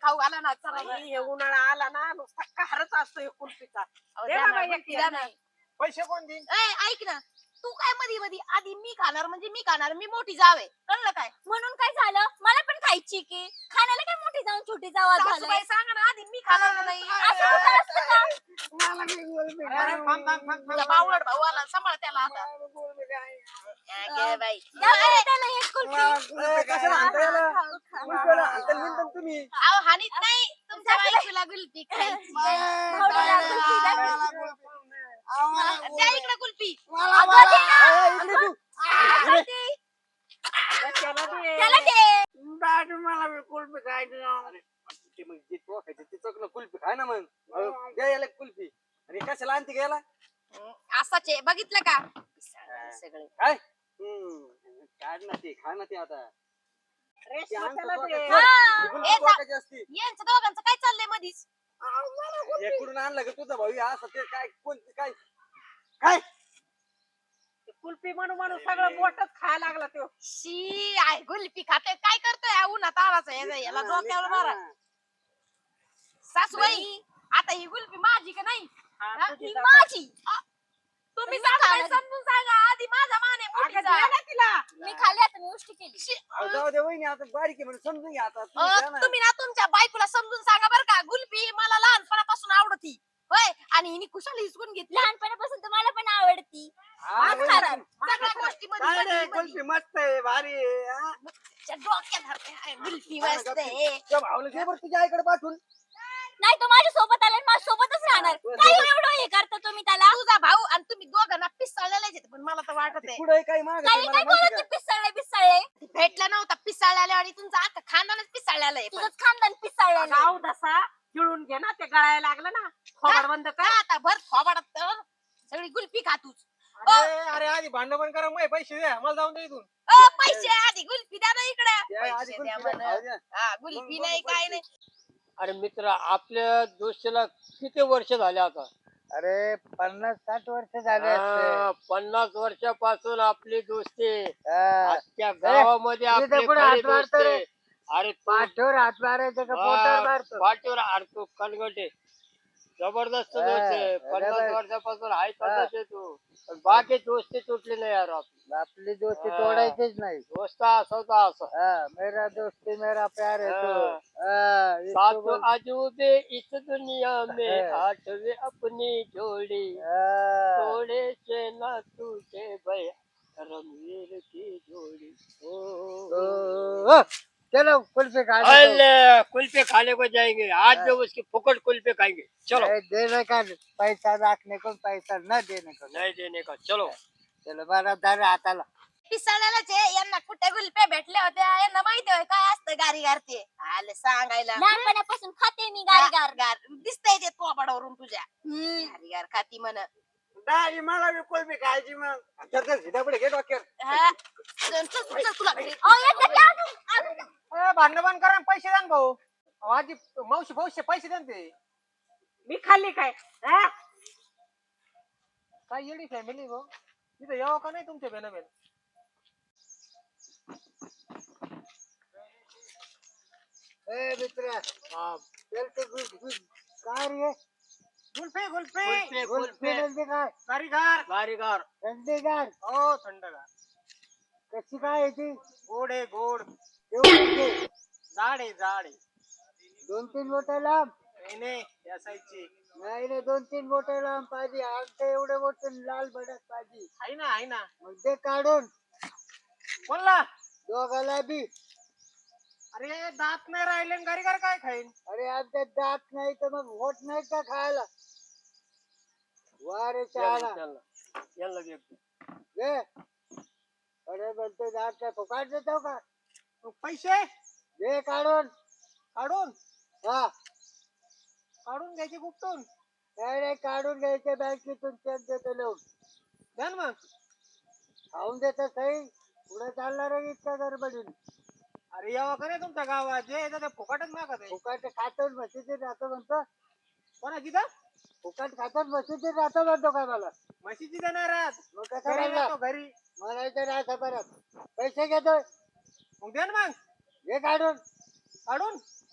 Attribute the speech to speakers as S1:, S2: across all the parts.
S1: खाऊ घाला ना चला ना.
S2: हे उन्हाळा आला ना नुसता काहरच असतो हे कुल्फीचा.
S1: अहो,
S2: दे
S1: द्या
S2: बाबा
S1: ना,
S2: एक
S1: द्या ना.
S3: पैसे कोण देईन
S1: ऐक ना तू काय मधी मधी आधी मी खाणार म्हणजे मी खाणार मी मोठी जावे कळलं काय
S4: म्हणून काय झालं मला पण खायची की खाण्याला काय मोठी जाऊन छोटी जावा झालं
S1: सासूबाई सांगा ना आधी मी खाणार का नाही
S4: असं कुठं असतं का
S2: मला काही कुल्फी
S3: अरे,
S2: खायची.
S3: थांब, थांब, थांब,
S1: तुझा
S3: थांब.
S1: बावळट भाऊ आला सांभाळ त्याला आता
S2: मला कुल्फी खायची.
S1: घे बाई
S4: द्या बरं त्याला हे कुल्फी.
S2: मला
S3: ए,
S2: कुल्फी
S3: कशाला हाणता याला?
S4: खाऊ, खाऊ.
S3: कुल्फीला हाणता निंदन तुम्ही
S1: अहो हानीत नाही तुमच्या बायकोला गुलपी खायची
S4: भावड्याला कुल्फी द्या.
S2: मला कुल्फी नाही.
S1: द्या इकडे कुल्फी
S2: मला
S4: अगं दे ना.
S3: ए, इकडे तू.
S4: अगं दे.
S2: त्याला दे.
S4: त्याला दे.
S2: दादू मला बी कुल्फी खायची ना.
S3: ते मग जे टोकायचं ते चोकलं कुल्फी खाय ना मग द्या याला कुल्फी आणि कशाला आणते घ्यायला
S1: असाच आहे बघितलं का सगळे
S3: काय काढ ना ते खा ना ते आता
S2: रेशमा त्याला दे.
S4: हा.
S1: ए, जा.
S3: टोकायची असती
S1: यांचं दोघांचं काय चाललंय मधीच
S2: मला कुल्फी.
S3: इकडून आणलं का तुझा भाऊ असं ते काय कोणती काय काय
S2: कुल्फी म्हणून म्हणून सगळं मोठच खायला लागला तो.
S1: शी आय गुलपी खाते काय करतोय उन्हात आवाज याला डोक्यावर मारा सासूबाई आता ही गुलपी माझी का नाही हा?
S4: ही माझी.
S1: तुम्ही
S4: मी
S1: सासूबाई
S4: खाणार.
S1: समजून सांगा आधी माझा मान आहे
S2: अगं
S1: मोठीचा.
S2: दे ना तिला.
S4: मी खाल्ली आता मी उष्टी केली
S1: शी,
S3: अहो, जाऊ दे वहिनी आता बारीक आहे म्हणून समजून घ्या आता तुम्ही द्या ना.
S1: तुम्ही ना तुमच्या बायकोला समजून सांगा बरं का गुलपी मला लहानपणापासून आवडती होय आणि हिने कुशाला हिसकून घेतली
S4: लहानपणापासून तर मला पण आवडती
S3: हा,
S4: आज
S3: वहिनी,
S4: खाणार.
S1: सगळ्या गोष्टी
S2: काय रे कुल्फी मस्त आहे भारी आहे, हा?
S1: डोक्यात धरते. हाय, गुलपी मस्त आहे
S3: त्या भाऊला दे बरं तुझ्या आईकडे पाठवून
S4: नाही तो माझ्या सोबत आला माझ्या सोबतच राहणार काय एवढं हे करता तुम्ही त्याला
S1: तुझा भाऊ आणि तुम्ही दोघांना पिसाळलेले पण मला तर वाटत आहे
S3: पुढे काही मागत
S4: काही
S3: मला
S4: काय
S3: माहिती
S4: बोलत
S3: का
S4: पिसाळले पिसाळले
S1: भेटला नव्हता पिसाळलेला आणि तुमचा आता खानदानच पिसाळलेला आहे पण.
S4: तुझंच खानदान पिसाळलेलं
S2: गाव दसा गिळून घे ना ते गळायला लागलं ना थोबाड बंद कर.
S1: का आता भर थोबाडात सगळी गुलपी खातूच
S3: अरे अरे आधी भांडण पण करा मग पैसे द्या मला जाऊन दे इथून
S1: पैसे आधी गुलपी द्या ना
S3: द्या,
S1: इकडे
S3: आधी
S1: पैसे
S3: कुल्फी
S1: द्या
S3: द्या,
S1: म्हणा.
S3: द्या.
S1: हा गुलपी नाही काय नाही
S5: अरे मित्र आपल्या दोस्तीला किती वर्ष झाले आता
S6: अरे 50-60 वर्ष झाले असते
S5: 50 वर्षापासून आपली दोस्ती
S6: हा.
S5: अख्ख्या गावामध्ये
S6: मी तर
S5: आपली
S6: पुढे
S5: खरी
S6: हात मारतो
S5: दोस्ती.
S6: रे.
S5: अरे
S6: पाठीवर हात मारायचं का पोटावर मारतो
S5: पाठीवर अडतो कनगटे जबरदस्त
S6: हा,
S5: दोस्त आहे
S6: अरे
S5: 50
S6: बाई.
S5: वर्षापासून आहे तसंच आहे तू पण बाकी दोस्ती तुटली नाही यार आपली
S6: आपली दोस्ती
S5: हा.
S6: तोडायचीच नाही
S5: दोस्त असाचा असा
S6: हा, मेरा दोस्ती मेरा प्यार है तो
S5: हा.
S6: हा, इसको
S5: सात
S6: बोल-
S5: अजूबे इस दुनिया में
S6: हा.
S5: आठवे अपनी जोड़ी
S6: हा.
S5: थोड़े से ना टूटे भया रणवीर की जोड़ी
S6: ओ, चलो कुल्फी खा लो
S5: अल्ले कुल्फे खाने को जाएंगे आज जो उसकी फुकट कुल्फे खाएंगे चलो
S6: देने का पैसा रखने को पैसा न देने को
S5: नहीं देने का चलो
S6: चलो बरं धर हाताला
S1: पिसाळलेलाच आहे यांना कुठे गुलप्या भेटल्या होत्या यांना माहिती होय काय असतं गारी गारते आले सांगायला
S4: लहानपणापासून खाते मी गार गार
S1: गार दिसतंय ते थोबाडावरून तुझ्या गारी गार खाती म्हण
S2: दाजी मला बी कुल्फी खायची मग.
S3: चल, चल, सीतापुढे घे डोक्यावर
S1: हा. चल, चल, चल, तुला घरी.
S4: अहो, येतं की अजून?
S3: भांडण बंद करा आणि पैसे द्या ना भाऊ अहो, आधी मावशी भाऊशे पैसे द्या ना ते
S2: मी खाल्ली काय हा?
S3: काय येडी फॅमिली भाऊ तिथं यावं का नाही तुमच्या बेन बेन
S6: ए मित्र चल ते काय रे
S3: गुल्फे गुल्फे
S5: कुल्फे
S6: कुल्फी
S5: कुल्फे
S6: म्हणजे काय
S3: कारीगार
S5: कारीगर
S6: थंडीगार
S3: हो थंडगार
S6: कशी काय आहे ती
S3: गोड आहे गोड
S6: एवढी
S3: जाड आहे जाड आहे
S6: 2-3 बोटं लांब
S3: नाही या साईजची
S6: नाही रे 2-3 बोटं लांब पाहिजे आमचं एवढे बोट लाल भडक पाहिजे
S3: आहे ना
S6: मग ते काढून
S3: बोलला
S6: दोघाला बी
S3: अरे दात नाही राहिले आणि कारीगार काय खाईन
S6: अरे आमच्या दात नाही तर मग होत नाही का खायला वा रे चहाला
S5: यांना देतो
S6: घे अरे म्हणतो दात काय फुकाट देतो का
S3: मग पैसे
S6: घे काढून
S3: काढून
S6: हा
S3: काढून घ्यायचे गुपटून
S6: नाही रे काढून घ्यायचे बँकेतून चेक देतो लिहून
S3: द्या ना मग
S6: खाऊन देतो सही पुढे चालणार आहे इतका गडबडीन
S3: अरे यावं का नाही तुमच्या गावात जे येतं ते फुकटच मागत आहे
S6: फुकाट खातो म्हशीचे राहतो म्हणतो
S3: कोणा तिथं
S6: फुकाट खातो म्हशीचे राहतो म्हणतो काय मला
S3: म्हशीची देणार आहात
S6: मग कसं
S3: घरी
S6: म्हणला
S3: येतो घरी
S6: म्हणायचं राहतं परत पैसे घेतोय
S3: मग द्या ना मग
S6: घे काढून
S3: काढून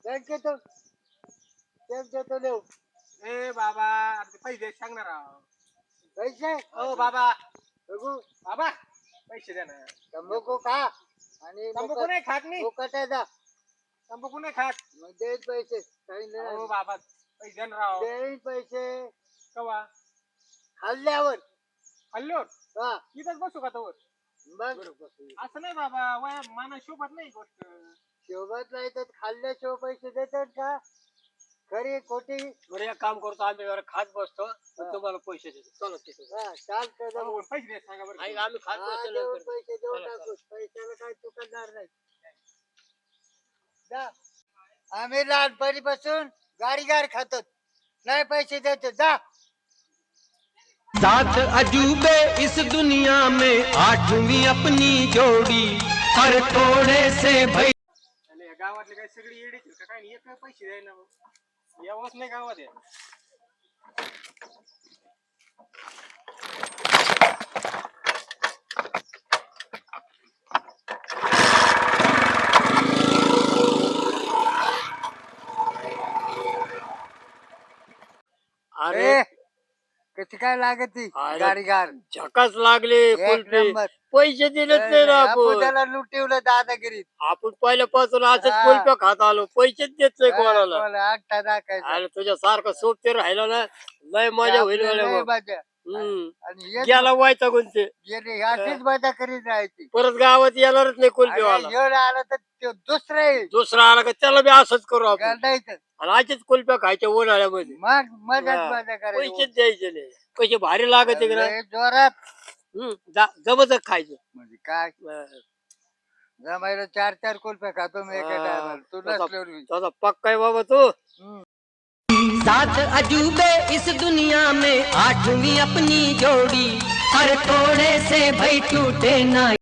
S6: बँकेतून चेक देतो देऊ
S5: ए बाबा अरे ते पैसे सांगणार आहो.
S6: पैसे
S5: हो बाबा
S6: बघू
S5: बाबा पैसे द्या ना.
S6: तंबाखू खा आणि
S5: तंबाखू नाही खात मी.
S6: मुकाट्याचा
S5: तंबाखू नाही खात.
S6: मग देईल पैसे काही
S5: हो
S6: नाही
S5: बाबा पैसे द्या ना राव.
S6: देईल पैसे
S5: कवा
S6: खाल्ल्यावर
S5: हल्लो
S6: हा
S5: इथंच बसू का तोवर.
S6: बघ
S5: असं नाही बाबा वया माना शोभत नाही गोष्ट.
S6: शोभत नाही तर खाल्ल्याशिवाय पैसे देतात का खरी खोटी
S5: बरं एक काम करतो आम्ही जरा खात बसतो मग तुम्हाला पैसे देतो. चला तिथं.
S6: हा चालतं जाऊ.
S5: हो, पैसे द्या सांगा बरं.
S3: ऐक, आम्ही खात
S6: हा,
S3: बसतो
S6: देऊन
S3: नंतर.
S6: पैसे देऊन
S5: चला,
S6: टाकू पैशाला काय चुकणार नाही जा. आम्ही लहानपणीपासून गाडीगार खातो नाही पैसे देतो जा.
S7: सात अजूबे इस दुनिया में आठवीं अपनी जोड़ी हर थोड़े से भई
S5: आणि या गावातले काय सगळी येडीच आहेत का काय नाही. एक पैसे द्यायला यावंच नाही गावात आहे.
S6: अरे कशी काय लागत ती
S5: अरे,
S6: गाडीगार
S5: झकास लागले
S6: एक
S5: कुलपी.
S6: नंबर.
S5: पैसे दिलेच नाही ना
S6: आपण
S5: आपण.
S6: त्याला लुटिवलं दादागिरीत
S5: आपण पहिल्यापासून असंच
S6: हा.
S5: कुलप्या खात आलो. पैसेच देत नाही कोणाला.
S6: आठा दाखायचा
S5: अरे तुझ्या सारखं सोबते राहिलं ना लय मजा होईल
S6: आपल्याला
S5: गड्या
S6: लय
S5: मग.
S6: मजा.
S5: हम्म.
S6: आणि हे
S5: गेला व्हायचा कोणते
S6: गेले अशीच मजा करीत राहायची
S5: परत गावात येणारच नाही कुलपीवाला.
S6: आणि एवढं आलं तर ते दुसरं आहे.
S5: दुसरा आला का त्याला बी असंच करू आपण.
S6: गरडायचं.
S5: आणि असेच कुलप्या खायच्या उन्हाळ्यामध्ये.
S6: मग मजाच
S5: हा.
S6: मजा करायची
S5: पैसेच द्यायचे नाही. पैसे भारी लागत आहे
S6: लय जोरात
S5: जबरदस्त खायचं.
S6: म्हणजे काय
S5: हा.
S6: जमायला 4-4 कुल्फ्या खातो मी एका
S5: हा.
S6: टायमाला तू
S5: तसा-
S6: नसल्यावर बी.
S5: तसा पक्का आहे बाबा तू.
S7: सात अजूबे इस दुनिया में आठवीं अपनी जोड़ी हर थोड़े से भई टूटे ना